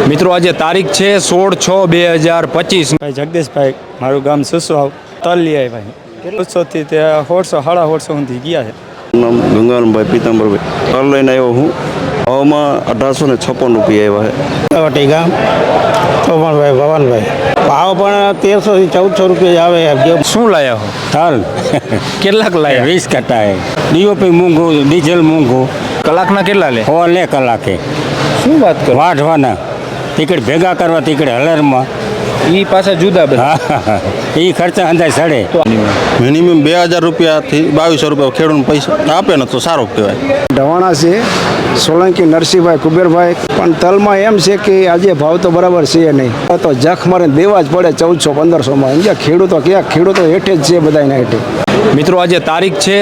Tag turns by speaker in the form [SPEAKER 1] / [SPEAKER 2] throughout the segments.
[SPEAKER 1] મિત્રો આજે તારીખ છે 16/6/2025।
[SPEAKER 2] ભાઈ જગદીશભાઈ, મારું ગામ સુસવાવ તલ લઈ આવી ભાઈ 150 થી 150 150 સુધી ગયા છે।
[SPEAKER 3] નામ ગંગારામભાઈ પીતાંબરભાઈ તલ લઈને આવ્યો હું। ભાવમાં 1856 રૂપિયા આવ્યા
[SPEAKER 4] વટી ગામ તોમણભાઈ ભવનભાઈ, ભાવ પણ 1300 થી 1400 રૂપિયા આવે।
[SPEAKER 1] શું લાયા હો?
[SPEAKER 4] તલ
[SPEAKER 1] કેટલાક લાયા?
[SPEAKER 4] 20 કટ્ટા है। ડીઓપી મોંઘું, ડીઝલ મોંઘું।
[SPEAKER 1] કલાકના કેટલા લે?
[SPEAKER 4] હો લે કલાકે
[SPEAKER 1] શું વાત કરો?
[SPEAKER 4] વાઢવાના ટિકિટ ભેગા કરવા, ટિકિટ હલરમાં
[SPEAKER 1] ઈ પાછા જુદા બધા।
[SPEAKER 4] હા એ ખર્ચા અંદાજ સડે।
[SPEAKER 3] મિનિમમ 2000 રૂપિયાથી 2200 રૂપિયા ખેડૂતને પૈસા આપે ને તો સારું કહેવાય।
[SPEAKER 5] ઢવાણા છે સોલંકી નરસિંહભાઈ કુબેરભાઈ, પણ તલમાં એમ છે કે આજે ભાવ તો બરાબર છે નહીં, તો જખ મારે દેવા જ પડે 1400-1500માં। સમજ્યા? ખેડૂતો ક્યાં? ખેડૂતો હેઠે જ છે બધાના હેઠે।
[SPEAKER 1] મિત્રો આજે તારીખ છે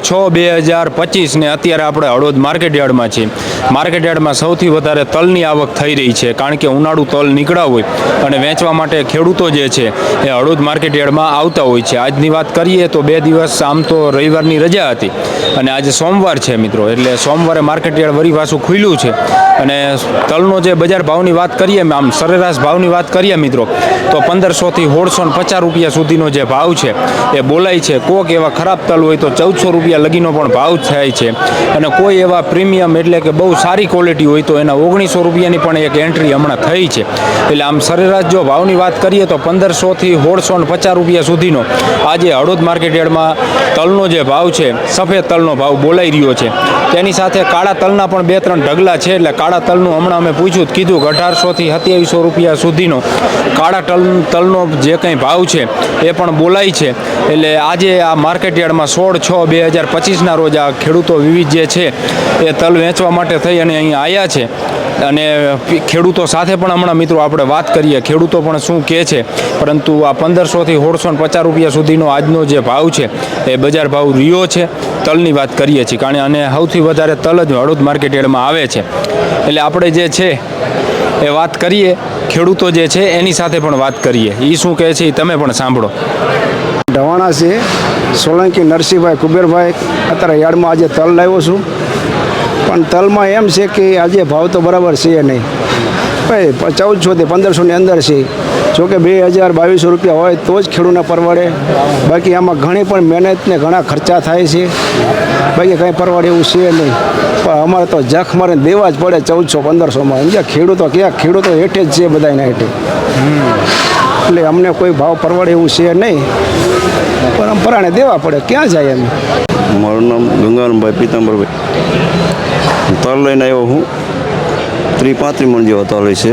[SPEAKER 1] 16/6/2025 ને અત્યારે આપણે હળવદ માર્કેટ યાર્ડમાં છીએ। માર્કેટ યાર્ડમાં સૌથી વધારે તલની આવક થઈ રહી છે, કારણ કે ઉનાળુ તલ નીકળ્યા હોય અને વેચવા માટે ખેડૂતો જે છે એ હળવદ માર્કેટ યાર્ડમાં આવતા હોય છે। આજની વાત કરીએ તો 2 દિવસ આમ તો રવિવારની રજા હતી અને આજે સોમવાર છે મિત્રો, એટલે સોમવારે માર્કેટ યાર્ડ વરી પાછું ખુલ્યું છે। અને તલનો જે બજાર ભાવની વાત કરીએ, આમ સરેરાશ ભાવની વાત કરીએ મિત્રો, તો 1500 થી 1650 રૂપિયા સુધીનો જે ભાવ છે એ બોલાય છે। કોક એવા ખરાબ તલ હોય તો 1400 રૂપિયા લગીનો પણ ભાવ થાય છે, અને કોઈ એવા પ્રીમિયમ એટલે કે બહુ સારી ક્વોલિટી હોય તો એના 1900 રૂપિયાની પણ એક એન્ટ્રી હમણાં થઈ છે। એટલે આમ સરેરાશ જો ભાવની વાત કરીએ તો 1500 થી 1650 રૂપિયા સુધીનો આજે હળવદ માર્કેટ યાર્ડમાં તલનો જે ભાવ છે, સફેદ તલનો ભાવ બોલાઈ રહ્યો છે। તેની સાથે કાળા તલના પણ 2-3 ઢગલા છે, એટલે કાળા તલનું હમણાં અમે પૂછ્યું કીધું કે 1800 થી 2700 રૂપિયા સુધીનો કાળા તલનો જે કંઈ ભાવ છે એ પણ બોલાય છે। એટલે આજે આ માર્કેટ યાર્ડમાં 16/6/2025ના રોજ આ ખેડૂતો વિવિધ જે છે એ તલ વેચવા માટે થઈ અને અહીં આવ્યા છે। અને ખેડૂતો સાથે પણ હમણાં મિત્રો આપણે વાત કરીએ, ખેડૂતો પણ શું કહે છે। પરંતુ આ 1500 થી 1650 રૂપિયા સુધીનો આજનો જે ભાવ છે એ બજાર ભાવ રહ્યો છે। તલની વાત કરીએ છીએ, કારણ અને સૌથી વધારે તલ જ હળવદ માર્કેટ યાર્ડમાં આવે છે। એટલે આપણે જે છે એ વાત કરીએ, ખેડૂતો જે છે એની સાથે પણ વાત કરીએ, એ શું કહે છે એ તમે પણ સાંભળો।
[SPEAKER 5] ઢવાણા છે સોલંકી નરસિંહભાઈ કુબેરભાઈ, અત્યારે યાર્ડમાં આજે તલ લાવ્યો છું, પણ તલમાં એમ છે કે આજે ભાવ તો બરાબર છે નહીં ભાઈ। 1400 થી 1500ની અંદર છે, જોકે 2000-2200 રૂપિયા હોય તો જ ખેડૂતને પરવડે। બાકી આમાં ઘણી પણ મહેનત ને ઘણા ખર્ચા થાય છે, બાકી કંઈ પરવડે એવું છે નહીં। પણ અમારે તો જખ મારે દેવા જ પડે 1400-1500માં। સમજ્યા? ખેડૂતો ક્યાં? ખેડૂતો હેઠે જ છે બધાના હેઠે। એટલે અમને કોઈ ભાવ પરવડે એવું છે નહીં, પણ આમ પરાણે દેવા પડે, ક્યાં જાય એમ।
[SPEAKER 3] મારું નામ ગંગારામભાઈ પીતાંબરભાઈ, તલ લઈને આવ્યો હું। 30-35 મણ જેવા તલ છે।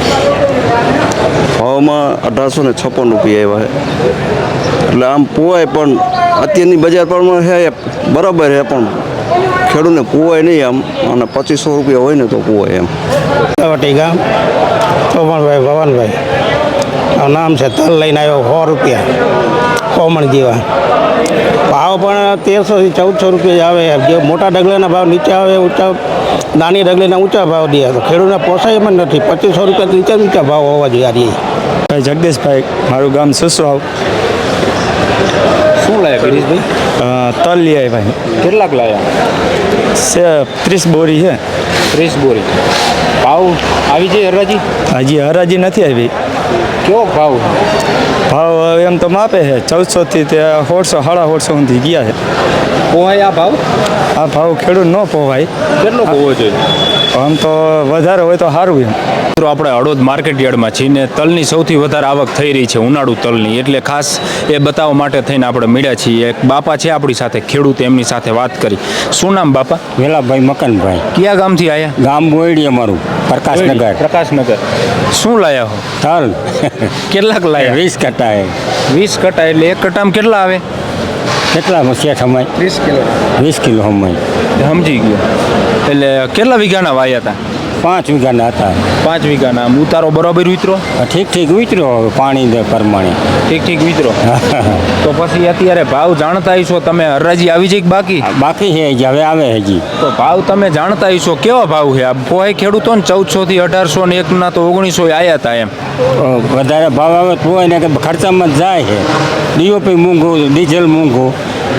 [SPEAKER 3] ભાવમાં 1856 રૂપિયા આવ્યા છે। એટલે આમ પોવાય, પણ અત્યારની બજાર પ્રમાણે છે બરાબર છે, પણ ખેડૂતને પોવાય નહીં આમ, અને 2500 રૂપિયા હોય ને તો પોવાય એમ।
[SPEAKER 4] વટી ગામ તોમણભાઈ ભવનભાઈ, નામ છે। તલ લઈને આવ્યો 100 રૂપિયા કોમણ જેવા, ભાવ પણ 1300 થી 1400 રૂપિયા આવે। જે મોટા ડગલાના ભાવ નીચે આવે, ઊંચા નાની ડગલીના ઊંચા ભાવ દે તો ખેડૂતને પોસાય એમ જ નથી। 2500 રૂપિયાથી ઊંચા ભાવ હોવા જોઈએ।
[SPEAKER 2] ભાઈ જગદીશભાઈ, મારું ગામ સુસવાવ।
[SPEAKER 1] શું લાયા ગિરીશભાઈ?
[SPEAKER 2] તલ લઈ આવી ભાઈ
[SPEAKER 1] કેટલાક લાયા?
[SPEAKER 2] 30 બોરી છે।
[SPEAKER 1] 30 બોરી। ભાવ આવી જાય હરાજી?
[SPEAKER 2] હજી હરાજી નથી આવી।
[SPEAKER 1] કેવો ભાવ?
[SPEAKER 2] ભાવ એમ તો માપે છે 1400 થી 1650 સુધી ગયા છે।
[SPEAKER 1] પોહાય આ ભાવ?
[SPEAKER 2] આ ભાવ ખેડૂત ન પોવાય।
[SPEAKER 1] કેટલો હોવો જોઈએ?
[SPEAKER 2] આમ તો વધારે હોય તો સારું એમ।
[SPEAKER 1] મિત્રો આપણે હળવદ માર્કેટ યાર્ડમાં છીએ ને તલની સૌથી વધારે આવક થઈ રહી છે, ઉનાળુ તલની, એટલે ખાસ એ બતાવવા માટે થઈને આપણે મળ્યા છીએ। એક બાપા છે આપણી સાથે, ખેડૂત, એમની સાથે વાત કરી। શું નામ બાપા?
[SPEAKER 4] વેલાભાઈ મકનભાઈ,
[SPEAKER 1] કયા ગામથી આવ્યા?
[SPEAKER 4] ગામ બોયડી અમારું, પ્રકાશનગર।
[SPEAKER 1] પ્રકાશનગર। શું લાયા હો?
[SPEAKER 4] તલ
[SPEAKER 1] કેટલાક લાયા?
[SPEAKER 4] 20 કટ્ટા है।
[SPEAKER 1] 20 કટ્ટા એટલે એક કટ્ટામાં કેટલા આવે?
[SPEAKER 4] કેટલામાં શેઠ અમાય? 20 કિલો અમાય।
[SPEAKER 1] સમજી ગયો। એટલે કેટલા વીઘાના વાયા હતા?
[SPEAKER 4] 5 વીઘાના હતા।
[SPEAKER 1] 5 વીઘાના। આમ ઉતારો બરાબર ઉતરો?
[SPEAKER 4] ઠીક ઉતર્યો, હવે પાણી દે પ્રમાણે
[SPEAKER 1] ઠીક ઉતરો। તો પછી અત્યારે ભાવ જાણતા હશો તમે, હરાજી આવી જાય કે બાકી?
[SPEAKER 4] બાકી છે હજી, હવે આવે હજી।
[SPEAKER 1] તો ભાવ તમે જાણતા હશો, કેવા ભાવ છે? આ પોહાય ખેડૂતો ને 1400 થી 1800 ને એકના તો 1900 આવ્યા હતા એમ।
[SPEAKER 4] વધારે ભાવ આવે તો હોય ને કે ખર્ચામાં જ જાય છે। ડીઓપી મોંઘું, ડીઝલ મોંઘું,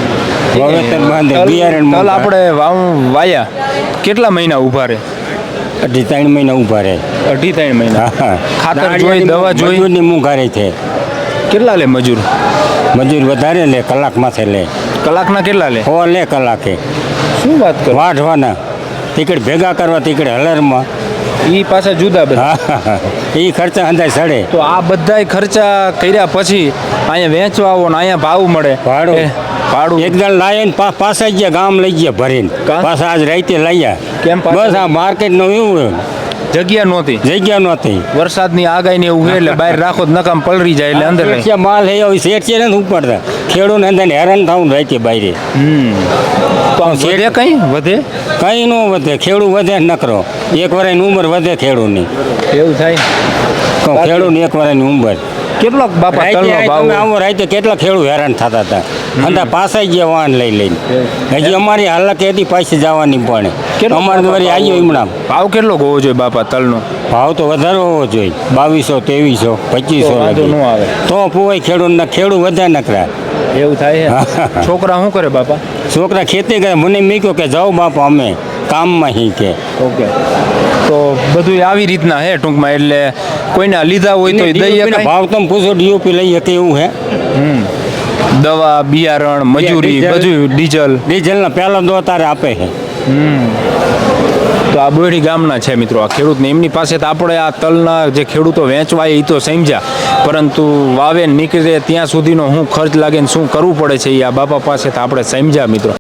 [SPEAKER 4] વાવેતર બાંધે, બિયારણ
[SPEAKER 1] તલ આપણે વાયા કેટલા મહિના ઊભા રહે?
[SPEAKER 6] 3 મહિના ઊભા રહે
[SPEAKER 1] 2.5-3 મહિના
[SPEAKER 6] હા
[SPEAKER 1] ખાતર જોઈ, દવા જોઈ.
[SPEAKER 6] મજૂરની મોંઘારી છે.
[SPEAKER 1] કેટલા લે મજૂર?
[SPEAKER 6] મજૂર વધારે લે, કલાક માથે લે,
[SPEAKER 1] કલાકના કેટલા લે?
[SPEAKER 6] 100 લે કલાકે.
[SPEAKER 1] શું વાત કરો?
[SPEAKER 6] વાઢવાના તીકડે ભેગા કરવા, તીકડે હલરમાં.
[SPEAKER 1] ઈ પાછા જુદા બધા.
[SPEAKER 6] હા એ ખર્ચા અંદાજ સડે.
[SPEAKER 1] તો આ બધાય ખર્ચા કર્યા પછી અહીંયા વેચવા આવો ને અહીંયા ભાવ મળે.
[SPEAKER 6] ભાડું.
[SPEAKER 1] ભાડું
[SPEAKER 6] એક દળ લાવીને પાછા ગયા ગામ લઈ ગયા ભરીને,
[SPEAKER 1] કા?
[SPEAKER 6] પાછા આજ રાતે લઈ
[SPEAKER 1] કેમ પાછા?
[SPEAKER 6] બસ આ માર્કેટનું એવું
[SPEAKER 1] જગ્યા નહોતી,
[SPEAKER 6] જગ્યા નહોતી.
[SPEAKER 1] વરસાદની આગાહી ને એવું છે એટલે બહાર રાખો તો નકામ પલરી જાય એટલે અંદર રહે.
[SPEAKER 6] શેઠિયા માલ હે શેઠ છે ને ઉપડતા ખેડૂને અંદર હેરાન થવું રાતે બહાર.
[SPEAKER 1] તો આમ વધે કઈ વધે
[SPEAKER 6] કઈ ન વધે, ખેડૂ વધે નકરો. એક વર્ષની ઉંમર વધે ખેડૂની.
[SPEAKER 1] એવું થાય.
[SPEAKER 6] ખેડૂની એક વર્ષની ઉંમર.
[SPEAKER 1] કેટલોક બાપા તલનો ભાવ
[SPEAKER 6] તમે આવો રાતે કેટલા ખેડૂત હેરાન થતા હતા, અંદર પાછા ગયા વાહન લઈ લઈને. હજી અમારી હાલત હતી પાછી જવાની પણ
[SPEAKER 1] કેટલો
[SPEAKER 6] અમારે વળી આવ્યો હમણાં.
[SPEAKER 1] ભાવ કેટલો હોવો જોઈએ બાપા તલનો?
[SPEAKER 6] ભાવ તો વધારે હોવો જોઈએ, 2200, 2300,
[SPEAKER 1] તો વાંધો
[SPEAKER 6] 2500
[SPEAKER 1] ન આવે.
[SPEAKER 6] તો પોવાય ખેડૂત વધે નકરા.
[SPEAKER 1] એવું થાય
[SPEAKER 6] હા.
[SPEAKER 1] છે. છોકરા શું કરે બાપા?
[SPEAKER 6] છોકરા ખેતી કરે, મને મૂક્યો કે જાઓ બાપા અમે કામમાં હી કે.
[SPEAKER 1] ઓકે, તો બધું આવી રીતના હે ટૂંકમાં. એટલે કોઈને લીધા હોય તો દઈએ
[SPEAKER 6] DOP ના
[SPEAKER 1] કાંઈ?
[SPEAKER 6] ભાવ તમે પૂછો, ડીઓપી લઈએ કે એવું હે.
[SPEAKER 1] દવા, બિયારણ, મજૂરી, બધું ડીઝલ.
[SPEAKER 6] ડીઝલના પહેલા દો તારે આપે છે.
[SPEAKER 1] તો આ બોયડી ગામના છે મિત્રો આ ખેડૂતને. એમની પાસે તો આપણે આ તલના જે ખેડૂતો વેચવા એ તો સમજ્યા, પરંતુ વાવે નીકળે ત્યાં સુધીનો શું ખર્ચ લાગે ને શું કરવું પડે છે એ આ બાપા પાસે તો આપણે સમજ્યા મિત્રો.